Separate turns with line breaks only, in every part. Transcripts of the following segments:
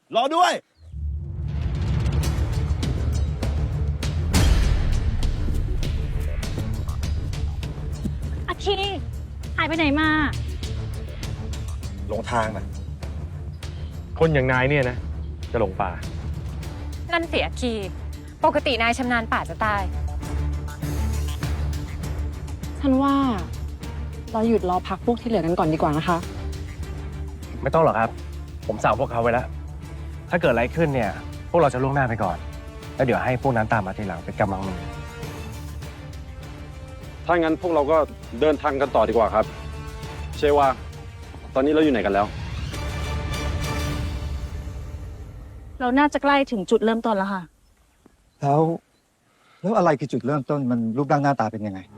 รอด้วย
อาคีหายไปไหนมา
หลงทางนะ
คนอย่างนายเนี่ยนะ จะหลงป่า
นั่นเสียคีปกตินายชำนาญป่าจะตาย
ฉันว่าเราหยุดรอพักพวกที่เหลือกันก่อนดีกว่านะคะ
ไม่ต้องหรอกครับ ผมสั่งพวกเขาไว้แล้ว ถ้าเกิดอะไรขึ้นเนี่ย พวกเราจะล่วงหน้าไปก่อน แล้วเดี๋ยวให้พวกนั้นตามมาทีหลังเป็นกำลังมือ
ถ้างั้นพวกเราก็เดินทางกันต่อดีกว่าครับ เชวาตอนนี้เราอยู่ไหนกันแล้ว
เราน่าจะใกล้ถึงจุดเริ่มต้นแล้วค่ะ
แล้วอะไรคือจุดเริ่มต้นมันรูปร่างหน้าตาเป็นยังไง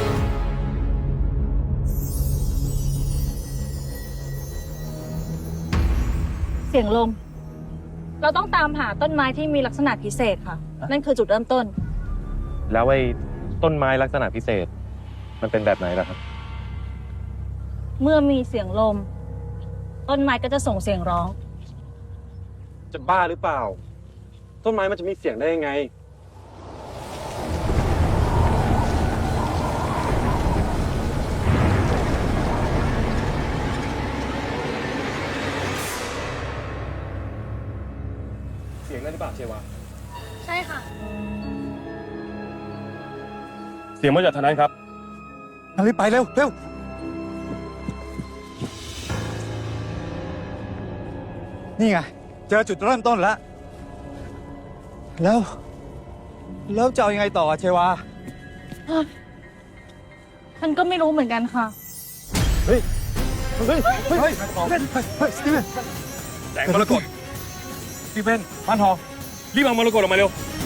เสียงลม เราต้องตามหาต้นไม้ที่มีลักษณะพิเศษค่ะ นั่นคือจุดเริ่มต้น
แล้วไอ้ต้นไม้ลักษณะพิเศษ มันเป็นแบบไหนล่ะครับ
เมื่อมีเสียงลม ต้นไม้ก็จะส่งเสียงร้อง
จะบ้าหรือเปล่า ต้นไม้มันจะมีเสียงได้ยังไง
เสียงนั่นหรือเปล่าเชวา
ใช่ค่ะ
เสียงมาจากทางนั้นครับ
งั้นรีบไปเร็วเร็วนี่ไง เจอจุดเริ่มต้นแล้ว แล้วจะเอายังไงต่อเชวา
ฉันก็ไม่รู้เหมือนกันค่ะ
เฮ้ยสตีเวน
แสงมรกตพี่เป็นพันทองรีบเอามรกตออกมาเร็ว